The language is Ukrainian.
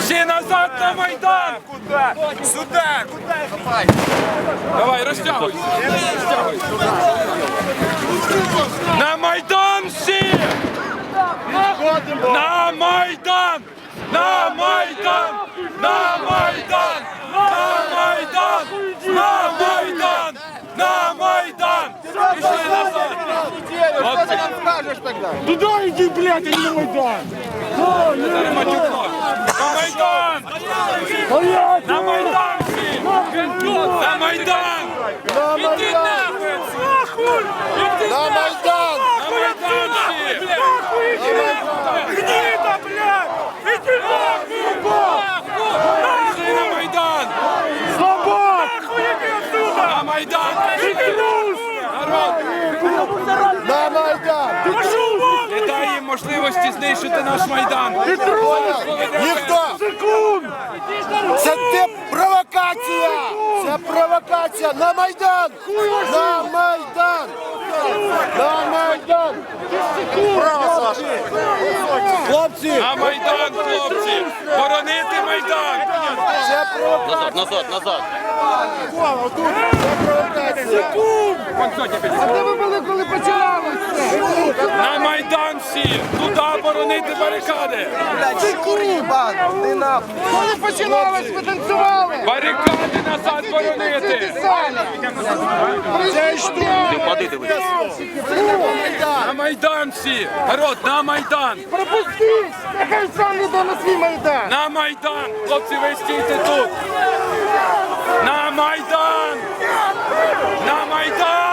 Всі назад на Майдан! Куда? Сюда! Куда? Давай, розтягуйся. На Майдан всі! На Майдан! На Майдан! На Майдан! На Майдан! На Майдан! На Майдан! Пішли назад! Что ты нам скажешь тогда? Туда иди, блядь, а не на Майдан! На Майдан! На Майдан всі! На Майдан! Іди нахуй! На Майдан! На Майдан всі! Гнида, блядь! Иди нахуй! Пішли на Майдан! Слабак! Нахуй иди отсюда! На Майдан! Иди трус! Народ! На Майдан! Пошел вон! Не дай їм можливості знищити наш Майдан! Ты трус! Ніхто! Секунд! Це провокація! Це провокація! На Майдан! На Майдан! На Майдан! Право, Саша! Хлопці! На Майдан, хлопці! Боронити Майдан! Це провокація! Назад. А де ви були, коли починалося? На Майдан всі! Туди боронити барикади! Коли починалось, ви танцювали? Барикади назад боронити! Це що? Води дивись. На Майдан всі! Народ, на Майдан! Пропустіть! Нехай сам йде на свій Майдан! На Майдан! Хлопці, ви стійте тут! На Майдан! На Майдан!